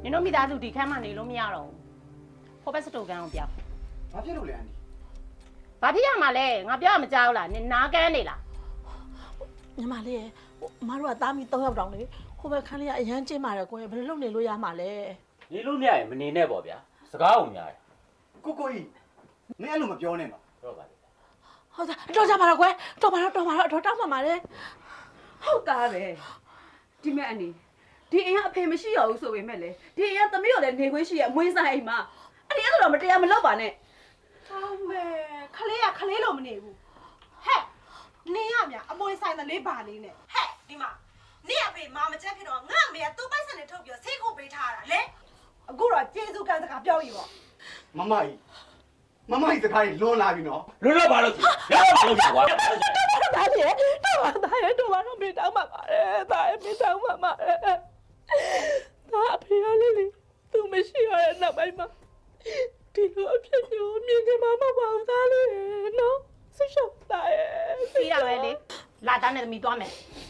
နင်တို့မိသားစုဒီခန်းမှာနေလို့မရတော့ဘူးဖိုးဘက်စတိုကန်ကိုပြောင်းဘာဖြစ်လို့လဲအန်ဒီဘာဖြစ်ရမှာလဲငါပြောရမကြောက်လားနင်နားကန်းနေလားညီမလေးရဲ့မတို့ကသားမီ3ယောက်တောင်လေဟိုဘက်ခန်းလေးကအရန်ကျင်းပါတယ်ကိုယ်ဘယ်လိုလုပ်နေလို့ရမှာလဲနေလို့မရရင်မနေနဲ့ပေါ့ဗျာစကားအောင်များတယ်ကိုကြီးမင်းအဲ့လိုမပြောနဲ့ပါတော့ပါလေဟုတ်သားတော်ကြပါတော့ကွယ်တော်ပါတော့တော်တောင်းပါပါလေဟုတ်သားပဲဒီမဲ့အနေဒီအိမ်ကအဖေမရှိရဘူးဆိုပေမဲ့လေဒီအိမ်ကသမီးကိုလည်းနေခွင့်ရှိရအမွေးဆိုင်အိမ်မှာအဲ့ဒီအဲ့လိုမတရားမလုပ်ပါနဲ့ဟုတ်မယ်ခလေးကခလေးလို့မနေဘူးဟဲ့နင်းရမြအမွေဆိုင်တဲ့လေးပါလေးနဲ့ဟဲ့ဒီမှာနင့်အဖေမာမချက်ဖြစ်တော့ငါအမေကသူ့ပိုက်ဆံနဲ့ထုတ်ပြီးဆေးခုပေးထားတာလေအခုတော့ကျေးဇူးကံစကားပြောပြီပေါ့မမကြီးစကားကြီးလွန်လာပြီနော်လွတ်တော့ဘာလို့ကြည့်ရအောင်လုပ်ကြကွာသားကြီးတော်ပါတော့မေတောင်းပါပါတယ်သားရဲ့မေတောင်းပါပါတယ်သားအဖေရလေးလေသူမရှိရတဲ့နောက်ပိုင်းမှာဒီလိုအဖြစ်မျိုးမြင်ကြမှာမဟုတ်ပါဘူးသားလေးနော်ဆိတ်ရှောက်သားရဲ့ပြီးတာပဲလေလာတန်းနဲ့သမီးသွားမယ်